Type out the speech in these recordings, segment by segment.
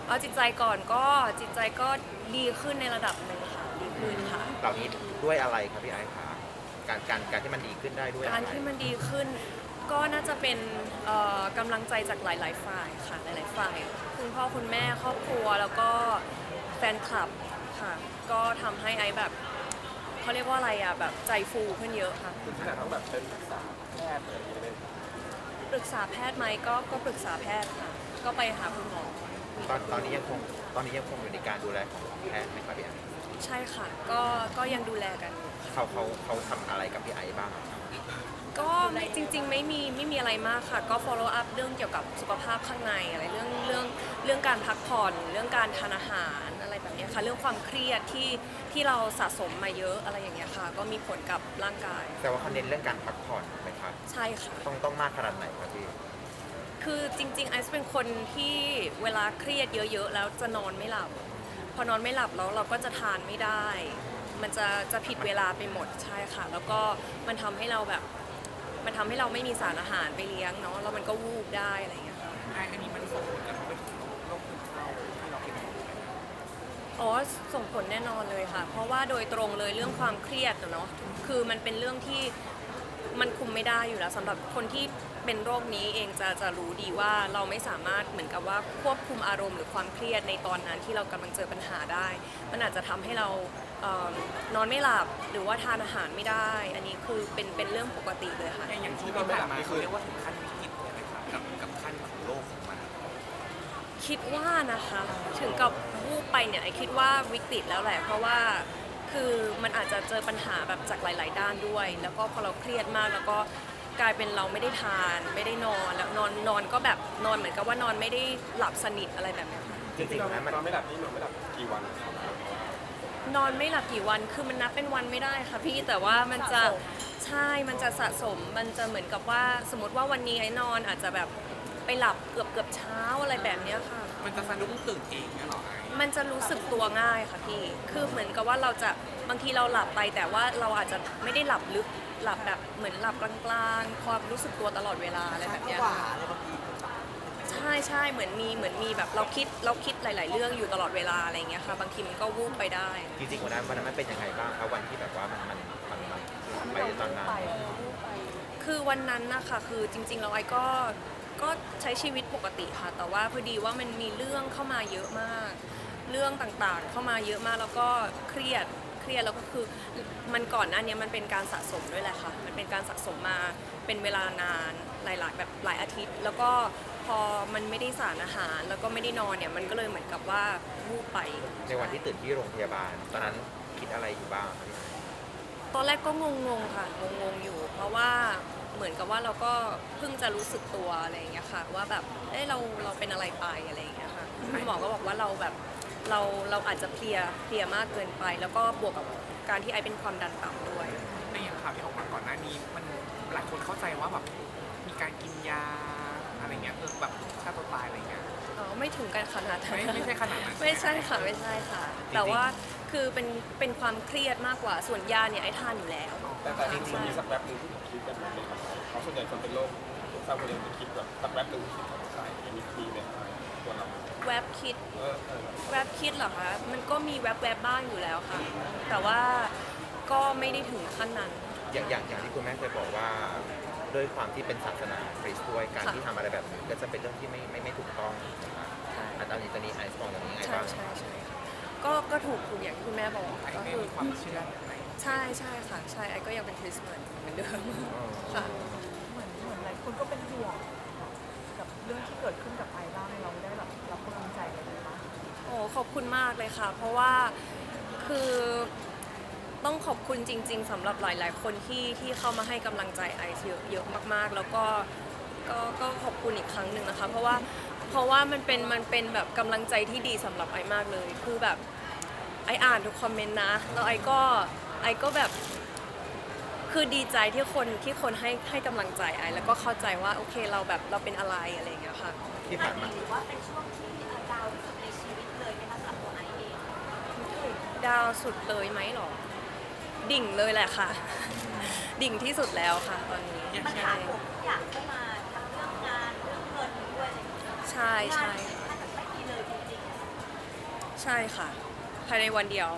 เอาจิตใจก่อนก็จิตใจก็ดีขึ้นในระดับหนึ่งค่ะดีขึ้นค่ะเหล่านี้ด้วยอะไรครับพี่ไอซ์คะการที่มันดีขึ้นได้ด้วยอะไรการที่มันดีขึ้นก็น่าจะเป็นกำลังใจจากหลายๆฝ่ายค่ะหลายๆฝ่ายคุณพ่อคุณแม่ครอบครัวแล้วก็แฟนคลับค่ะก็ทำให้ไอซ์แบบเขาเรียกว่าอะไรอ่ะแบบใจฟูขึ้นเยอะค่ะถึงขนาดต้องแบบเป็นปรึกษาแพทย์อะไรอย่างเงี้ยเลยปรึกษาแพทย์ไหมก็ปรึกษาแพทย์ค่ะก็ไปหาคุณหมอตอนนี้ยังคงอยู่ในการดูแลของแพทย์ไหมครับพี่ไอซ์ใช่ค่ะก็ยังดูแลกันอยู่เขาทำอะไรกับพี่ไอซ์บ้างครับก็จริงๆไม่มีอะไรมากค่ะก็ follow up เรื่องเกี่ยวกับสุขภาพข้างในอะไรเรื่องการพักผ่อนเรื่องการทานอาหารอะไรแบบนี้ค่ะเรื่องความเครียดที่เราสะสมมาเยอะอะไรอย่างเงี้ยค่ะก็มีผลกับร่างกายแต่ว่าเขาเน้นเรื่องการพักผ่อนไหมครับใช่ค่ะต้องมากขนาดไหนครับพี่คือจริงๆไอซ์เป็นคนที่เวลาเครียดเยอะๆแล้วจะนอนไม่หลับพอนอนไม่หลับแล้วเราก็จะทานไม่ได้มันจะผิดเวลาไปหมดใช่ค่ะแล้วก็มันทำให้เราแบบมันทำให้เราไม่มีสารอาหารไปเลี้ยงเนาะแล้วมันก็วูบได้อะไรอย่างเงี้ยค่ะอันนี้มันส่งผลกระทบไปถึงโรคซึมเศร้าที่เราเป็นอยู่ไหมครับอ๋อส่งผลแน่นอนเลยค่ะเพราะว่าโดยตรงเลยเรื่องความเครียดเนาะคือมันเป็นเรื่องที่มันคุมไม่ได้อยู่แล้วสำหรับคนที่เป็นโรคนี้เองจะรู้ดีว่าเราไม่สามารถเหมือนกับว่าควบคุมอารมณ์หรือความเครียดในตอนนั้นที่เรากำลังเจอปัญหาได้มันอาจจะทำให้เรานอนไม่หลับหรือว่าทานอาหารไม่ได้อันนี้คือเป็นเรื่องปกติเลยค่ะอย่างช่วงที่ผ่านมาเขาเรียกว่าถึงขั้นวิกฤตเลยไหมครับกับขั้นของโลกของมันคิดว่านะคะถึงกับวูบไปเนี่ยไอคิดว่าวิกฤตแล้วแหละเพราะว่าคือมันอาจจะเจอปัญหาแบบจากหลายๆด้านด้วยแล้วก็พอเราเครียดมากแล้วก็กลายเป็นเราไม่ได้ทานไม่ได้นอนแล้วนอนก็แบบนอนเหมือนกับว่านอนไม่ได้หลับสนิทอะไรแบบนี้ค่ะจริงๆนะมันนอนไม่หลับนี่นอนไม่หลับกี่วันนอนไม่หลับกี่วันคือมันนับเป็นวันไม่ได้ค่ะพี่แต่ว่ามันจะใช่มันจะสะสมมันจะเหมือนกับว่าสมมติว่าวันนี้ไอ้นอนอาจจะแบบไปหลับเกือบเช้าอะไรแบบนี้ค่ะมันจะสะดุ้งตื่นเองเนี่ยหรอมันจะรู้สึกตัวง่ายค่ะพี่คือเหมือนกับว่าเราจะบางทีเราหลับไปแต่ว่าเราอาจจะไม่ได้หลับลึกหลับแบบเหมือนหลับกลางๆความรู้สึกตัวตลอดเวลาอะไรแบบนี้ใช่เหมือนมีแบบเราคิดหลาย ๆ เรื่องอยู่ตลอดเวลาอะไรอย่างเงี้ยค่ะบางทีมันก็วูบไปได้จริงๆวันนั้นมันเป็นยังไงบ้างครับวันที่แบบว่ามันไปตอนนั้นคือวันนั้นนะคะคือจริงๆแล้วไอ้ก็ใช้ชีวิตปกติค่ะแต่ว่าพอดีว่ามันมีเรื่องเข้ามาเยอะมากเรื่องต่างๆเข้ามาเยอะมากแล้วก็เครียดแล้วก็คือมันก่อนหน้านี้มันเป็นการสะสมด้วยแหละค่ะมันเป็นการสะสมมาเป็นเวลานานหลายๆแบบหลายอาทิตย์แล้วก็พอมันไม่ได้สารอาหารแล้วก็ไม่ได้นอนเนี่ยมันก็เลยเหมือนกับว่าวูบไปในวันที่ตื่นที่โรงพยาบาลตอนนั้นคิดอะไรอยู่บ้างครับพี่ตอนแรกก็งงๆค่ะงงๆอยู่เพราะว่าเหมือนกับว่าเราก็เพิ่งจะรู้สึกตัวอะไรอย่างเงี้ยค่ะว่าแบบเราเป็นอะไรไปอะไรอย่างเงี้ยค่ะคุณหมอก็บอกว่าเราแบบเราอาจจะเพลียมากเกินไปแล้วก็บวกกับการที่ไอเป็นความดันต่ำด้วยในอย่างข่าวที่ออกมาก่อนหน้านี้มันหลายคนเข้าใจว่าแบบมีการกินยาอะไรเงี้ยแบบฆ่าตัวตายอะไรเงี้ยอ๋อไม่ถึงกันขนาดนั้นไม่ใช่ขนาดนั้นไม่ใช่ค่ะแต่ว่าคือเป็นความเครียดมากกว่าส่วนยาเนี่ยไอทานอยู่แล้วแต่จริงๆมีสักแป๊บนึงที่ผมคิดแบบนั้นเลยครับเพราะส่วนใหญ่คนเป็นโรคเศร้าคนเดียวจะคิดแบบสักแป๊บนึงคิดทำใจมีไหมตัวเราแวบคิดเหรอคะมันก็มีแวบบ้างอยู่แล้วค่ะแต่ว่าก็ไม่ได้ถึงขั้นนั้นอย่างที่คุณแม่เคยบอกว่าด้วยความที่เป็นศาสนาคริสต์ด้วยการที่ทำอะไรแบบนี้ก็จะเป็นเรื่องที่ไม่ถูกต้องนะครับอันนี้ไอซ์มองแบบนี้ไงบ้างใช่ก็ถูกอย่างที่คุณแม่บอกก็คือความเชื่อใช่ค่ะใช่ไอก็ยังเป็นคริสต์เหมือนเดิมค่ะเหมือนหลายคนก็เป็นห่วงกับเรื่องที่เกิดขึ้นกับไอบ้างเราได้แบบรับกำลังใจอะไรบ้างโอ้ขอบคุณมากเลยค่ะเพราะว่าคือต้องขอบคุณจริงๆสำหรับหลายๆคนที่เข้ามาให้กำลังใจไอซ์เยอะมากๆแล้วก็ขอบคุณอีกครั้งหนึ่งนะคะเพราะว่ามันเป็นแบบกำลังใจที่ดีสำหรับไอมากเลยคือแบบไออ่านทุกคอมเมนต์นะแล้วไอก็แบบคือดีใจที่คนให้กำลังใจไอแล้วก็เข้าใจว่าโอเคเราแบบเราเป็นอะไรอย่างเงี้ยค่ะที่ผ่านมาถือว่าเป็นช่วงที่ดาวที่สุดในชีวิตเลยไหมคะสำหรับตัวไอเองดาวสุดเลยไหมหรอดิ่งเลยแหละค่ะดิ่งที่สุดแล้วค่ะตอนนี้ปัญหาทุกอย่างเข้ามาทั้งเรื่องงานเรื่องเงินด้วยอะไรอย่างเงี้ยใช่งานถ้าแบบไม่ดีเลยจริงใช่ค่ะ ภายในวันเดียว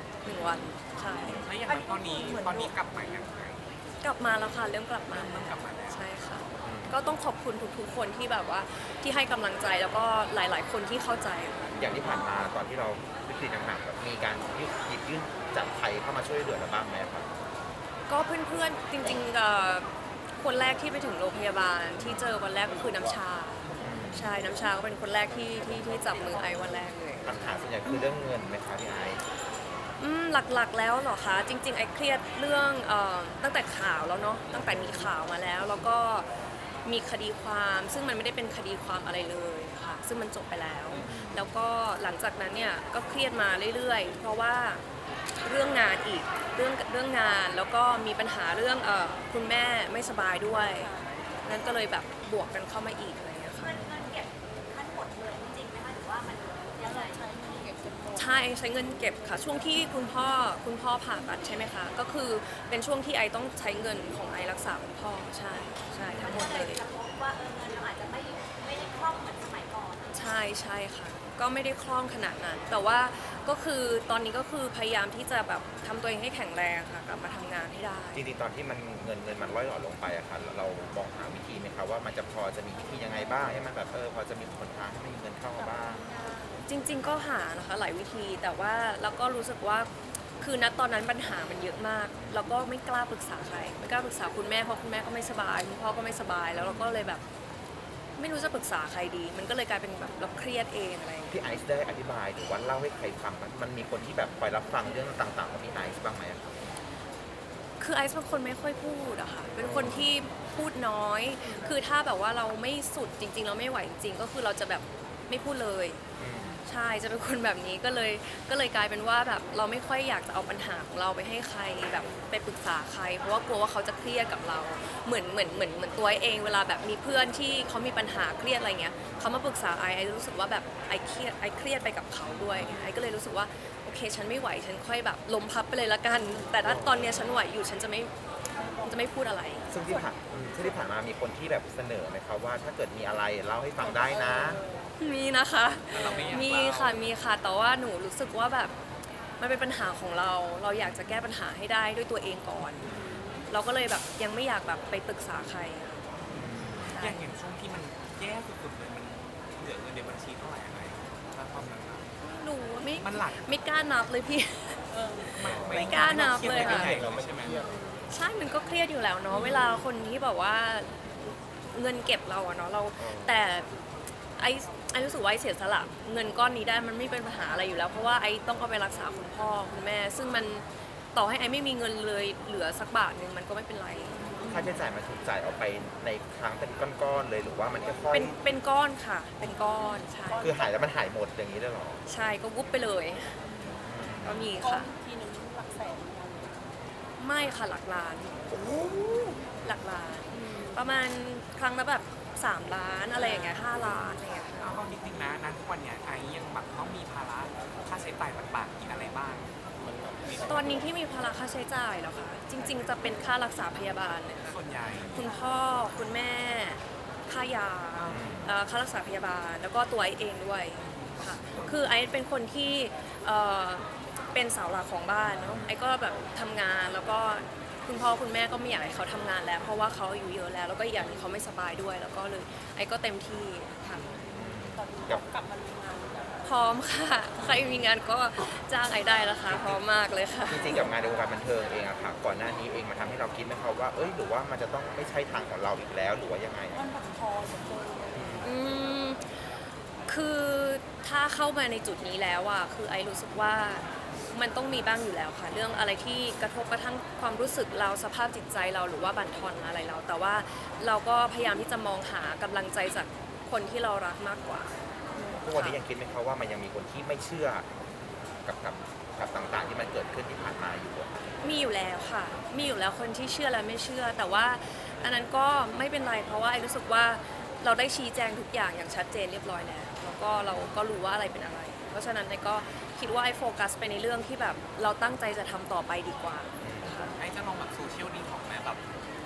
1 วันใช่แล้วอย่างนั้นตอนนี้กลับมาอย่างไรกลับมาแล้วค่ะเริ่มกลับมาเริ่มกลับมาแล้วใช่ค่ะ ก็ต้องขอบคุณทุกๆคนที่แบบว่าที่ให้กำลังใจแล้วก็หลายๆ คนที่เข้าใจค่ะอย่างที่ผ่านมาตอนที่เราวิกฤตหนักๆแบบมีการหยิบยื่นจากใครเข้ามาช่วยเหลือเราบ้างไหมครับก็เพื่อนๆจริงคนแรกที่ไปถึงโรงพยาบาลที่เจอวันแรกก็คือน้ำชาใช่น้ำชาก็เป็นคนแรกที่จับมือไอวันแรกเลยปัญหาส่วนใหญ่คือเรื่องเงินไหมคะพี่ไอซ์หลักๆแล้วเหรอคะจริงๆไอเครียดเรื่องตั้งแต่ข่าวแล้วเนาะตั้งแต่มีข่าวมาแล้วก็มีคดีความซึ่งมันไม่ได้เป็นคดีความอะไรเลยค่ะซึ่งมันจบไปแล้ว แล้วก็หลังจากนั้นเนี่ยก็เครียดมาเรื่อยๆ เพราะว่าเรื่องงานอีกเรื่องงานแล้วก็มีปัญหาเรื่องคุณแม่ไม่สบายด้วยนั่นก็เลยแบบบวกกันเข้ามาอีกอะไรอย่างเงี้ยค่ะเงินเก็บทั้งหมดเลยจริงไหมคะหรือว่ามันยังไงใช่ใช้เงินเก็บค่ะช่วงที่คุณพ่อผ่าตัดใช่ไหมคะก็คือเป็นช่วงที่ไอต้องใช้เงินของไอรักษาคุณพ่อใช่ทั้งหมดเลเลย ยจะพบว่าเงินเราอาจจะไม่ได้คล่องเหมือนสมัยก่อนใช่ค่ะ ก็ไม่ได้คล่องขนาดนั้น แต่ว่าก็คือตอนนี้ก็คือพยายามที่จะแบบทำตัวเองให้แข็งแรงค่ะกลับมาทำงานให้ได้จริงๆตอนที่มันเงินมันร่อยหล่อลงไปอะค่ะเรามองหาวิธีไหมคะว่ามันจะพอจะมีวิธียังไงบ้างให้มันแบบพอจะมีหนทางให้มันมีเงินเข้ามาบ้างจริง ๆ ก็หานะคะหลายวิธีแต่ว่าแล้วก็รู้สึกว่าคือณตอนนั้นปัญหามันเยอะมากแล้วก็ไม่กล้าปรึกษาใครไม่กล้าปรึกษาคุณแม่เพราะคุณแม่ก็ไม่สบายคุณพ่อก็ไม่สบายแล้วเราก็เลยแบบ ไม่รู้จะปรึกษาใครดี มันก็เลยกลายเป็นแบบเราเครียดเองอะไรอย่างเงี้ยพี่ไอซ์ได้อธิบายหรือว่าเล่าให้ใครฟังมันมีคนที่แบบคอยรับฟังเรื่องต่างๆของพี่ไอซ์บ้างไหมอะครับคือไอซ์เป็นคนไม่ค่อยพูดอะค่ะ เป็นคนที่พูดน้อย คือถ้าแบบว่าเราไม่สุดจริงๆเราไม่ไหวจริงๆก็คือเราจะแบบไม่พูดเลย ใช่ จะเป็นคนแบบนี้ก็เลยกลายเป็นว่าแบบเราไม่ค่อยอยากจะเอาปัญหาของเราไปให้ใครแบบไปปรึกษาใคร เพราะว่ากลัวว่าเขาจะเครียดกับเรา เหมือนตัวไอเองเวลาแบบมีเพื่อนที่เขามีปัญหาเครียดอะไรเงี้ยเขามาปรึกษาไอรู้สึกว่าแบบไอเครียดไปกับเขาด้วยไอก็เลยรู้สึกว่าโอเคฉันไม่ไหวฉันค่อยแบบล้มพับไปเลยละกัน แต่ถ้าตอนเนี้ยฉันไหวอยู่ฉันจะไม่พูดอะไรซึ่งที่ผ่านมามีคนที่แบบเสนอไหมครับว่าถ้าเกิดมีอะไรเล่าให้ฟังได้นะมีนะคะแต่เราไม่อยากมีเล่าค่ะ แต่ว่าหนูรู้สึกว่าแบบมันเป็นปัญหาของเรา เราอยากจะแก้ปัญหาให้ได้ด้วยตัวเองก่อน เราก็เลยแบบยังไม่อยากแบบไปปรึกษาใครอะใช่อย่างช่วงที่มันแย่สุดๆเลยมันเหลือเงินในบัญชีเท่าไหร่อะไรถ้าความนั้นอะหนูไม่มันหลักไม่กล้านับเลยพี่ ไม่กล้านับเลยค่ะไม่กล้านับใช่ไหมใช่ มันก็เครียดอยู่แล้วเนาะ เวลาคนที่แบบว่าเงินเก็บเราอะเนาะ แต่ไอรู้สึกว่าไอเสียสละเงินก้อนนี้ได้มันไม่เป็นปัญหาอะไรอยู่แล้ว เพราะว่าไอต้องเอาไปรักษาคุณพ่อคุณแม่ ซึ่งมันต่อให้ไอไม่มีเงินเลยเหลือสักบาทหนึ่งมันก็ไม่เป็นไรค่าใช้จ่ายมันถูกจ่ายออกไปในครั้งเป็นก้อนๆเลยหรือว่ามันค่อยเป็นก้อนค่ะ เป็นก้อน ใช่ๆคือหายแล้วมันหายหมดอย่างนี้เลยเหรอใช่ ก็วุบไปเลย ก็มีค่ะทีนึงหลักแสนเหมือนกันไม่ค่ะหลักล้าน หลักล้าน ประมาณครั้งละแบบ3 ล้านอะไรอย่างเงี้ย5 ล้านอะไรอย่างเงี้ยเอาจริงๆนะทุกวันเนี้ยไอ้ยังแบบต้องมีภาระค่าใช้จ่ายต่างๆอีกอะไรบ้างตอนนี้ที่มีภาระค่าใช้จ่ายเหรอคะจริง ๆ จะเป็นค่ารักษาพยาบาลเนี่ยค่ะส่วนใหญ่คุณพ่อคุณแม่ ค่ายาค่ารักษาพยาบาล แล้วก็ตัวไอเองด้วยค่ะคือไอเป็นคนที่เป็นเสาหลักของบ้านเนาะไอก็แบบทำงานแล้วก็คุณพ่อคุณแม่ก็ไม่อยากให้เขาทำงานแล้ว เพราะว่าเขาอายุเยอะแล้วแล้วก็อีกอย่างหนึงเขาไม่สบายด้วย แล้วก็เลยไอก็เต็มที่ค่ะตอนนี้กลับมาทำงานแล้วพร้อมค่ะใครมีงานก็จ้างไอได้นะคะพร้อมมากเลยค่ะจริงๆกับงานในวงการบันเทิงเองอะค่ะก่อนหน้านี้เองมันทำให้เราคิดไหมครับว่าหรือว่ามันจะต้องไม่ใช่ทางของเราอีกแล้วหรือว่ายังไงมันบั่นทอนเหลือเกินอืมคือถ้าเข้ามาในจุดนี้แล้วอะคือไอรู้สึกว่ามันต้องมีบ้างอยู่แล้วค่ะ เรื่องอะไรที่กระทบกระทั่งความรู้สึกเราสภาพจิตใจเราหรือว่าบั่นทอนอะไรเรา แต่ว่าเราก็พยายามที่จะมองหากำลังใจจากคนที่เรารักมากกว่าทุกวันนี้ยังคิดไหมครับว่ามันยังมีคนที่ไม่เชื่อกับต่างๆที่มันเกิดขึ้นที่ผ่านมาอยู่อะมีอยู่แล้วค่ะ มีอยู่แล้วคนที่เชื่อและไม่เชื่อ แต่ว่าอันนั้นก็ไม่เป็นไรเพราะว่าไอรู้สึกว่าเราได้ชี้แจงทุกอย่างอย่างชัดเจนเรียบร้อยแล้วแล้วก็เราก็รู้ว่าอะไรเป็นอะไร เพราะฉะนั้นไอก็คิดว่าไอโฟกัสไปในเรื่องที่แบบเราตั้งใจจะทำต่อไปดีกว่าค่ะไอ้จะลองแบบโซเชียลดีของแม่แบบ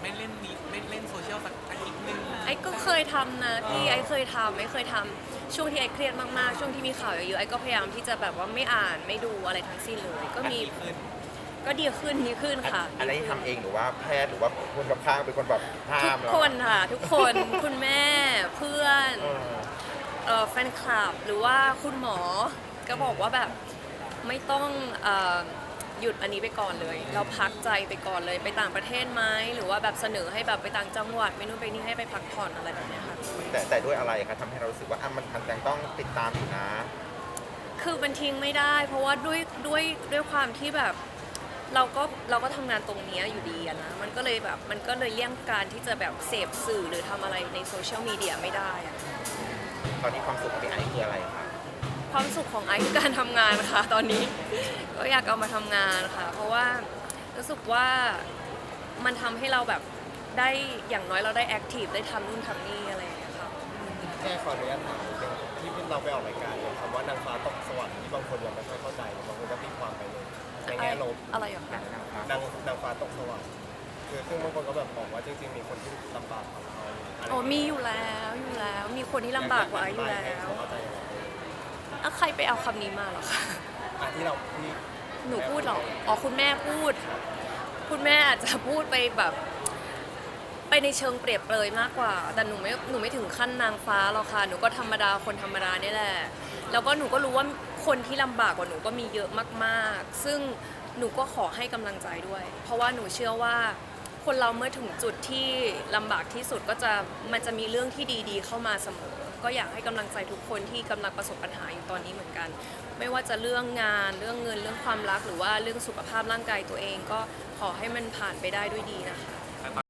ไม่เล่นนี้ไม่เล่นโซเชียลสักอาทิตย์หนึงไอ้ก็เคยทำนะพี่ไอ้เคยทำช่วงที่ไอ้เครียดมากๆช่วงที่มีข่าวเยอะๆไอ้ก็พยายามที่จะแบบว่าไม่อ่านไม่ดูอะไรทั้งสิ้นเลยก็มีดีขึ้นก็ดีขึ้นค่ะอะไรที่ทำเองหรือว่าแพทย์หรือว่าคนกับข้างเป็นคนแบบห้าทุมกเราคนค่ะทุกคน คุณแม่เพื่อน แฟนคลับหรือว่าคุณหมอก็บอกว่าแบบไม่ต้องหยุดอันนี้ไปก่อนเลย เราพักใจไปก่อนเลยไปต่างประเทศไหมหรือว่าแบบเสนอให้แบบไปต่างจังหวัดไปนู่นไปนี่ให้ไปพักผ่อนอะไรแบบเนี้ยค่ะแต่ด้วยอะไรคะทำให้เรารู้สึกว่ามันยังต้องติดตามอยู่นะคือมันทิ้งไม่ได้ เพราะว่าด้วยความที่แบบเราก็ทำงานตรงเนี้ยอยู่ดีอะนะมันก็เลยแบบมันก็เลยเลี่ยงการที่จะแบบเสพสื่อหรือทำอะไรในโซเชียลมีเดียไม่ได้อะตอนนี้ความสุขของพี่ไอซ์คืออะไรคะความสุขของไอซ์คือการทำงานค่ะ ตอนนี้ ก็อยากเอามาทำงานค่ะ เพราะว่ารู้สึกว่ามันทำให้เราแบบได้อย่างน้อยเราได้แอคทีฟได้ทำนู่นทำนี่อะไรอย่างเงี้ยค่ะแค่ขออนุญาตถามนิดนึงที่เราไปออกรายการเนี่ยคำว่านางฟ้าตกสวรรค์ที่บางคนยังไม่ค่อยเข้าใจบางคนก็ตีความไปเลยในแง่ลบอะไรอย่างเงี้ยนางฟ้าตกสวรรค์คือซึ่งบางคนก็แบบบอกว่าจริงๆมีคนที่ลำบากกว่าเราอะไรโอ้มีอยู่แล้วมีคนที่ลำบากกว่าไอซ์อยู่แล้วให้เขาเข้าใจยังไงอะใครไปเอาคำนี้มาเหรอคะที่เราที่หนูพูดเหรออ๋อคุณแม่พูด คุณแม่อาจจะพูดไปแบบไปในเชิงเปรียบเปรยมากกว่า แต่หนูไม่ถึงขั้นนางฟ้าหรอกค่ะ หนูก็ธรรมดาคนธรรมดานี่แหละ แล้วก็หนูก็รู้ว่าคนที่ลำบากกว่าหนูก็มีเยอะมากๆ ซึ่งหนูก็ขอให้กำลังใจด้วย เพราะว่าหนูเชื่อว่าคนเราเมื่อถึงจุดที่ลำบากที่สุดมันจะมีเรื่องที่ดีๆเข้ามาเสมอ ก็อยากให้กำลังใจทุกคนที่กำลังประสบปัญหาอยู่ตอนนี้เหมือนกัน ไม่ว่าจะเรื่องงานเรื่องเงินเรื่องความรักหรือว่าเรื่องสุขภาพร่างกายตัวเอง ก็ขอให้มันผ่านไปได้ด้วยดีนะคะ